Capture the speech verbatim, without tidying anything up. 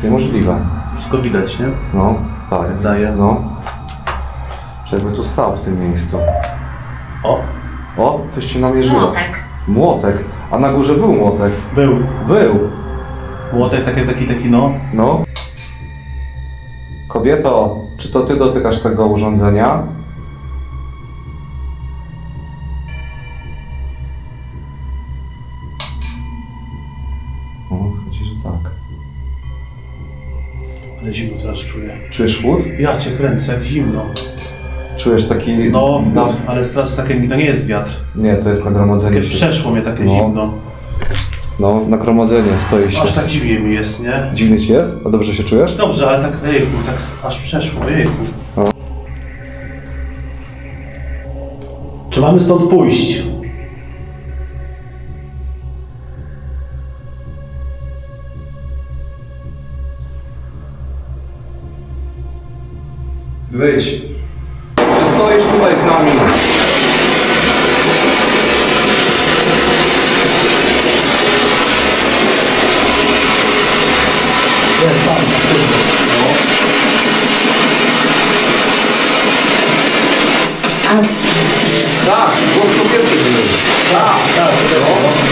jest niemożliwe. Wszystko widać, nie? No, tak. Jak daje. No. Żeby tu stał w tym miejscu. O, O, coś ci namierzyło. Młotek. Młotek. A na górze był młotek. był. Był. Młotek taki, taki, taki, no. No. Kobieto, czy to ty dotykasz tego urządzenia? O, chodzi, że tak. Ale zimno teraz czuję. Czujesz chłód? Ja cię kręcę, jak zimno. Czujesz taki... No, na... ale teraz takie, to nie jest wiatr. Nie, to jest nagromadzenie Takie się. przeszło mnie takie No. zimno. No, nagromadzenie stoi się. Aż tak dziwnie mi jest, nie? Dziwnie ci jest? A dobrze się czujesz? Dobrze, ale tak, ejku, tak aż przeszło, ejku. No. Czy mamy stąd pójść? Wyjdź. Czy stoisz tutaj z nami? Jest tam, A Tak, głos kobiecy był. tak, tak, tak.